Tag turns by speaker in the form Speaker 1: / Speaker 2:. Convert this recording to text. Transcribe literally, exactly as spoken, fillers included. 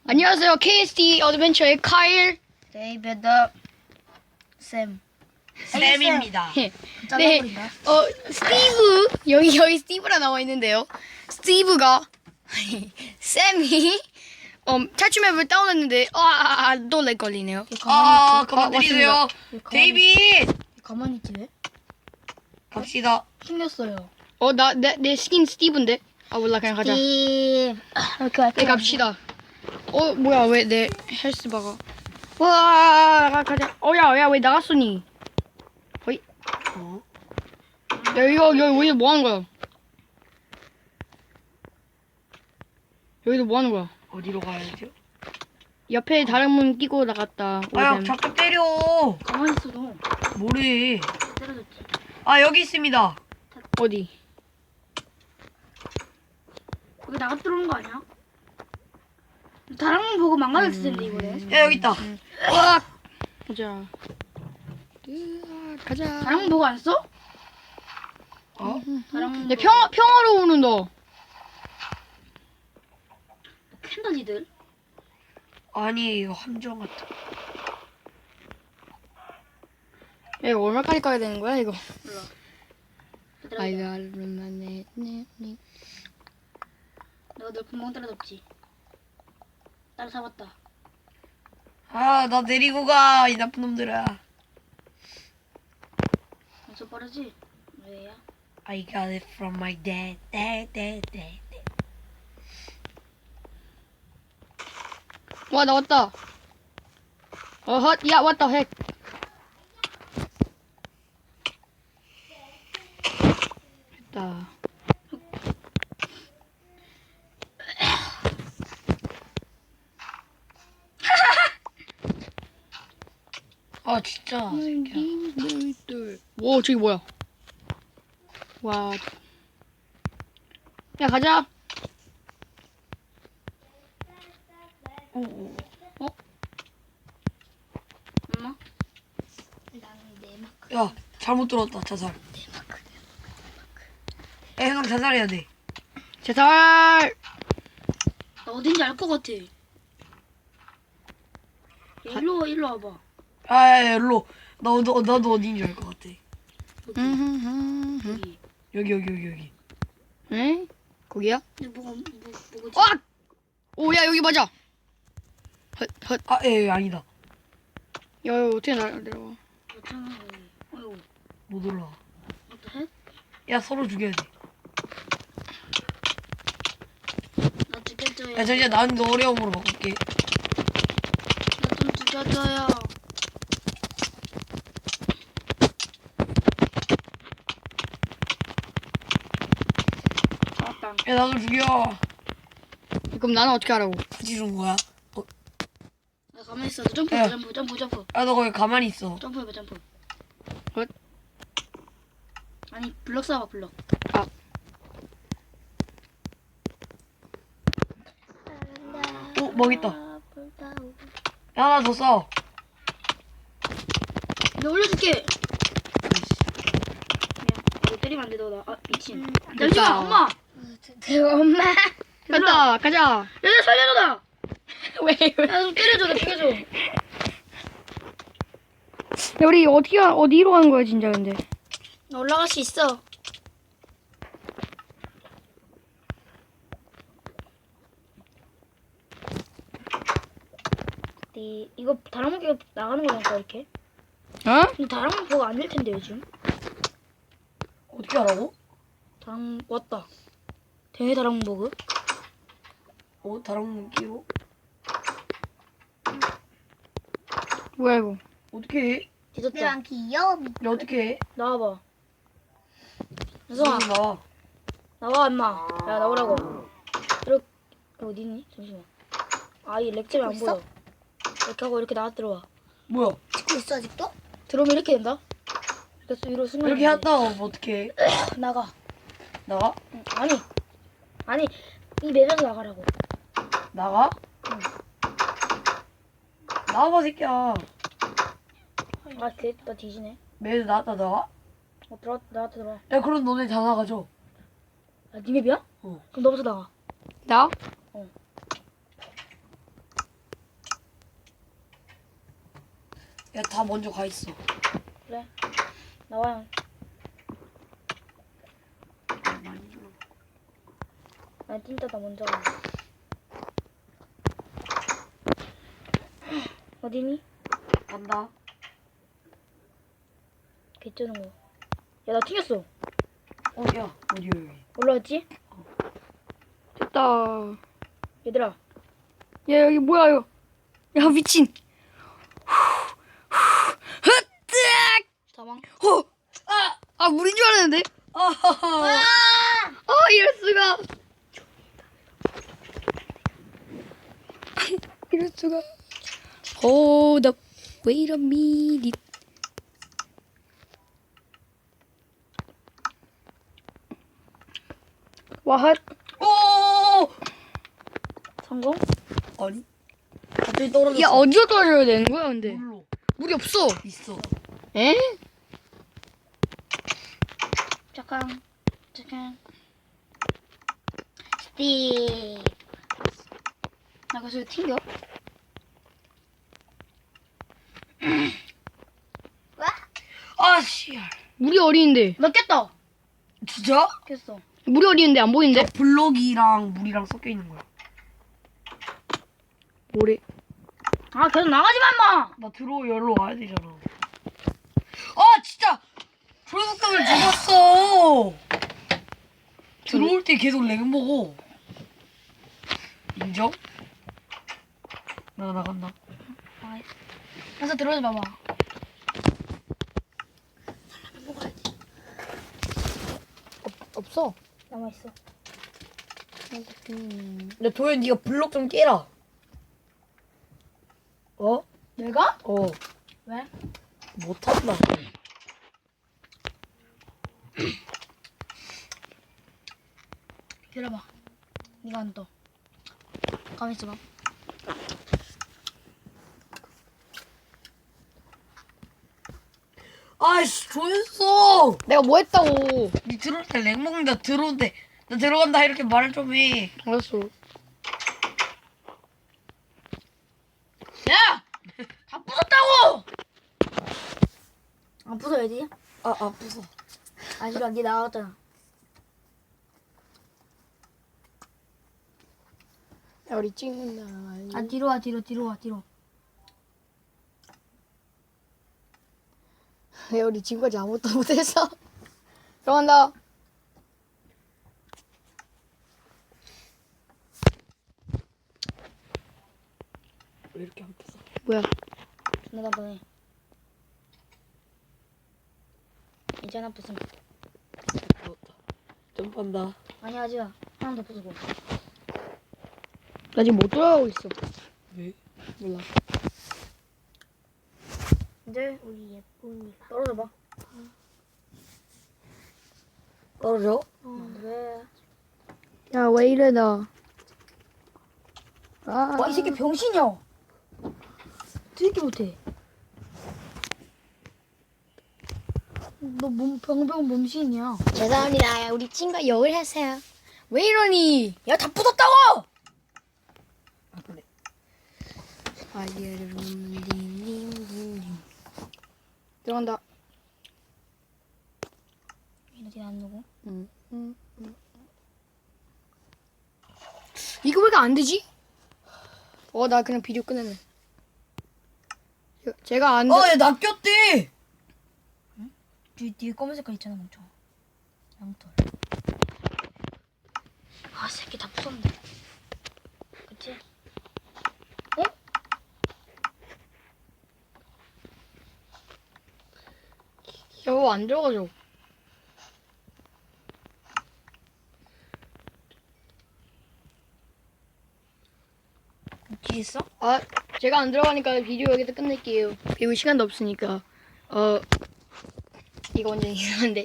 Speaker 1: 안녕하세요. 케이에스디 어드벤처의 카일.
Speaker 2: 데이비드 샘
Speaker 3: 쌤입니다.
Speaker 1: 네,
Speaker 2: 잘라버린다.
Speaker 1: 어 스티브 여기 여기 스티브라 나와 있는데요. 스티브가 쌤이 어 탈출맵을 다운했는데 아또렉 걸리네요.
Speaker 3: 아,
Speaker 2: 가만히
Speaker 3: 그만 때리세요.
Speaker 2: 가만히
Speaker 3: 데이비!
Speaker 2: 있지? 가만히 있지 왜?
Speaker 3: 갑시다.
Speaker 2: 생겼어요.
Speaker 1: 어나 내 내 스킨 스티브인데. 아 몰라 그냥 가자.
Speaker 2: 이 이렇게 할게.
Speaker 1: 네 갑시다. 어 뭐야 왜 내 헬스바가? 와 가자. 어야 야 왜 나갔으니? 어이.
Speaker 3: 어?
Speaker 1: 야 이거 여기 여기서 뭐 하는 거야? 여기서 뭐 하는 거야?
Speaker 3: 어디로 가야죠?
Speaker 1: 옆에 다른 문 끼고 나갔다.
Speaker 3: 아,
Speaker 1: 오셈.
Speaker 3: 자꾸 때려.
Speaker 2: 가만히 있어 너.
Speaker 3: 뭐래.
Speaker 2: 때려줬지.
Speaker 3: 아, 여기 있습니다.
Speaker 1: 어디?
Speaker 2: 거기 나가 들어오는 거 아니야? 다른 건 보고 망가졌을 텐데 이거는.
Speaker 3: 야, 여기 있다.
Speaker 1: 와 가자. 으아, 가자.
Speaker 2: 다른 건 보고 안 써?
Speaker 3: 어?
Speaker 2: 다른 건
Speaker 1: 내 평 평화로 오는 너.
Speaker 2: 캔다 니들.
Speaker 3: 아니, 이거 함정 같아.
Speaker 1: 야, 이거 얼마까지 가야 되는 거야 이거?
Speaker 2: 몰라.
Speaker 1: 아이가 얼마네 네 네.
Speaker 2: 내가 널 구멍 때려줬지. 나를 잡았다.
Speaker 3: 아, 나 데리고 가, 이 나쁜 놈들아.
Speaker 2: 엄청 빠르지? 왜야?
Speaker 3: I got it from my dad, dad, dad, dad.
Speaker 1: 와 나왔다. 어헛 야 왔다 핵. 됐다.
Speaker 3: 아, 진짜. 새끼야.
Speaker 1: 오 저기 뭐야? 와. 야 가자.
Speaker 3: 오, 오.
Speaker 2: 엄마? 나는 내 마크.
Speaker 3: 야, 잘못 들었다, 자살. 야, 형 자살해야 돼.
Speaker 1: 제살.
Speaker 2: 나 어딘지 알 것 같아. 야, 일로 와, 일로 와봐.
Speaker 3: 아, 야, 야, 일로. 나, 너, 나도 어딘지 알 것 같아.
Speaker 1: 음.
Speaker 2: 여기.
Speaker 3: 여기, 여기, 여기, 여기.
Speaker 1: 에? 거기야?
Speaker 2: 근데 뭐가 뭐 뭐지?
Speaker 1: 와! 오야 여기 맞아. 헛 헛.
Speaker 3: 아, 예, 예, 아니다.
Speaker 1: 야 이거 어떻게 나 내려와?
Speaker 2: 맞잖아. 여기. 어이구.
Speaker 3: 못 올라와.
Speaker 2: 어때? 해?
Speaker 3: 야, 서로 죽여야 돼.
Speaker 2: 나 죽여줘요.
Speaker 3: 야, 잠시만, 나는 너 어려움으로 바꿀게.
Speaker 2: 나 좀 죽여줘요. 잡았다.
Speaker 3: 야, 나도 죽여.
Speaker 1: 그럼 나는 어떻게 하라고?
Speaker 3: 굳이 준 거야? 어,
Speaker 2: 나 가만히 있어. 점프,
Speaker 3: 야.
Speaker 2: 점프, 점프, 점프.
Speaker 3: 야, 너 거기 가만히 있어.
Speaker 2: 점프해봐, 점프.
Speaker 1: 헛.
Speaker 2: 아니, 블럭 쏴봐, 블럭.
Speaker 1: 아.
Speaker 3: 어, 먹 있다. 야, 하나 더 써.
Speaker 2: 나 올려줄게.
Speaker 3: 아이씨.
Speaker 2: 너 때리면 안 돼, 너 나. 아, 미친.
Speaker 1: 됐다.
Speaker 2: 잠시만, 엄마. 내가 엄마.
Speaker 1: 간다 가자.
Speaker 2: 야, 나 살려줘, 나.
Speaker 1: 왜 왜?
Speaker 2: 야, 좀 때려줘, 나 죽여줘.
Speaker 1: 야 우리 어떻게 가- 어디로 가는 거야 진짜 근데?
Speaker 2: 나 올라갈 수 있어. 네, 이거 다른 거 나가는 거니까 이렇게.
Speaker 1: 어?
Speaker 2: 근데 다른 거 보고 안 될 텐데 요즘.
Speaker 3: 어떻게 하라고?
Speaker 2: 다른 왔다. 대회 다른 버그.
Speaker 3: 어, 다른 거 끼고.
Speaker 1: 뭐야 이거?
Speaker 3: 어떻게 해?
Speaker 2: 뒤졌다.
Speaker 4: 귀여워.
Speaker 3: 야, 어떻게 해?
Speaker 2: 나와봐. 혜성아,
Speaker 3: 무슨 나와.
Speaker 2: 나와 임마. 야 나오라고. 이렇게 어디 있니? 잠시만. 아이 렉처리 안
Speaker 4: 있어?
Speaker 2: 보여. 이렇게 하고 이렇게 나와 들어와.
Speaker 3: 뭐야?
Speaker 4: 찍고 있어 아직도?
Speaker 2: 들어오면 이렇게 된다. 이렇게 위로 순간.
Speaker 3: 이렇게 했다, 어떻게 해?
Speaker 2: 나가.
Speaker 3: 나가?
Speaker 2: 응, 아니 아니 이 맵에서 나가라고.
Speaker 3: 나가?
Speaker 2: 응.
Speaker 3: 나와봐, 새끼야.
Speaker 2: 아 됐다 뒤지네.
Speaker 3: 매일 나왔다, 나와?
Speaker 2: 어 들어 나한테 들어와.
Speaker 3: 야, 그럼 너네 다 나가죠.
Speaker 2: 아니 맵이야?
Speaker 3: 어.
Speaker 2: 그럼 너부터 나가.
Speaker 1: 나?
Speaker 3: 야, 다 먼저 가 있어.
Speaker 2: 그래. 나와요. 난 띵따다 먼저 가. 어디니?
Speaker 3: 간다.
Speaker 2: 개쩌는 거. 야, 나 튕겼어.
Speaker 3: 어, 야, 어디 여기?
Speaker 2: 올라왔지?
Speaker 1: 됐다.
Speaker 2: 얘들아.
Speaker 1: 야 여기 뭐야 이거? 야 미친. 헛뜨악.
Speaker 2: 사망.
Speaker 1: 어. 아, 아 물인 줄 알았는데.
Speaker 3: 아하하.
Speaker 1: 어 이럴 수가. 이럴 수가. Hold up. Wait a minute. 와, 핫.
Speaker 3: 오!
Speaker 2: 성공?
Speaker 3: 아니? 갑자기 떨어졌어.
Speaker 1: 야 어디로 떨어져야 되는 거야 근데?
Speaker 3: 물로.
Speaker 1: 물이 없어.
Speaker 3: 있어.
Speaker 1: 에?
Speaker 2: 잠깐. 잠깐. 스틱. 나 그래서 튕겨?
Speaker 3: 아, 씨알.
Speaker 1: 물이 어리는데.
Speaker 2: 나 깼다.
Speaker 3: 진짜?
Speaker 2: 깼어.
Speaker 1: 물이 어리는데 안 보이는데?
Speaker 3: 블럭이랑 물이랑 섞여 있는 거야.
Speaker 1: 뭐래?
Speaker 2: 아, 계속 나가지 마, 임마!
Speaker 3: 나 들어 열로 와야 되잖아. 아, 진짜! 조회수감을 죽었어! 들어올 때 계속 렉 먹어. 인정? 나 나간다.
Speaker 2: 가서 들어오지 마봐.
Speaker 1: 없어.
Speaker 2: 남아있어.
Speaker 3: 야, 도현, 네가 블럭 좀 깨라. 어?
Speaker 2: 내가?
Speaker 3: 어.
Speaker 2: 왜?
Speaker 3: 못한다.
Speaker 2: 기다려봐. 네가 안 떠. 가만히 있어봐.
Speaker 3: 아이씨, 조였어!
Speaker 1: 내가 뭐 했다고?
Speaker 3: 니 들어올 때 렉 먹는다, 들어온대. 나 들어간다, 이렇게 말을 좀 해.
Speaker 1: 알았어.
Speaker 2: 야! 다 부쉈다고! 안 부숴야지.
Speaker 3: 아, 아, 부서.
Speaker 2: 아니라 네 나왔잖아.
Speaker 1: 야 우리 찍는다.
Speaker 2: 아, 뒤로 와, 뒤로, 뒤로 와, 뒤로.
Speaker 1: 야 우리 지금까지 아무것도 못했어. 들어간다.
Speaker 3: 왜 이렇게 안 부서?
Speaker 1: 뭐야?
Speaker 2: 존나 단단해. 이제 하나 부수면.
Speaker 3: 부었다. 점프한다.
Speaker 2: 아니, 하지 마. 하나 더 부수고.
Speaker 1: 나 지금 못 돌아가고 있어.
Speaker 3: 왜?
Speaker 1: 몰라.
Speaker 2: 이제 우리 예쁜이. 떨어져봐.
Speaker 3: 떨어져?
Speaker 2: 어. 왜?
Speaker 1: 야 왜 이래 나. 아.
Speaker 2: 와, 이 새끼 병신이야. 되게 못해. 너 몸, 병병 몸신이야.
Speaker 1: 죄송합니다. 우리 친구가 욕을 했어요. 왜 이러니?
Speaker 2: 야, 다 부쉈다고!
Speaker 3: 아, 그래.
Speaker 1: 들어간다.
Speaker 2: 이러지 안 누구?
Speaker 1: 응. 응. 응. 이거 왜 안 되지? 어, 나 그냥 비디오 끝냈네. 제가 안 돼.
Speaker 3: 어, 얘 낚였대!
Speaker 2: 뒤, 뒤에 검은 색깔 있잖아, 멍청아. 양털. 아, 새끼 다 부쉈네. 그치? 어?
Speaker 1: 저거 안 들어가죠.
Speaker 2: 뒤에 있어?
Speaker 1: 아, 제가 안 들어가니까 비디오 여기서 끝낼게요. 그리고 시간도 없으니까. 어, 이거 완전 이상한데.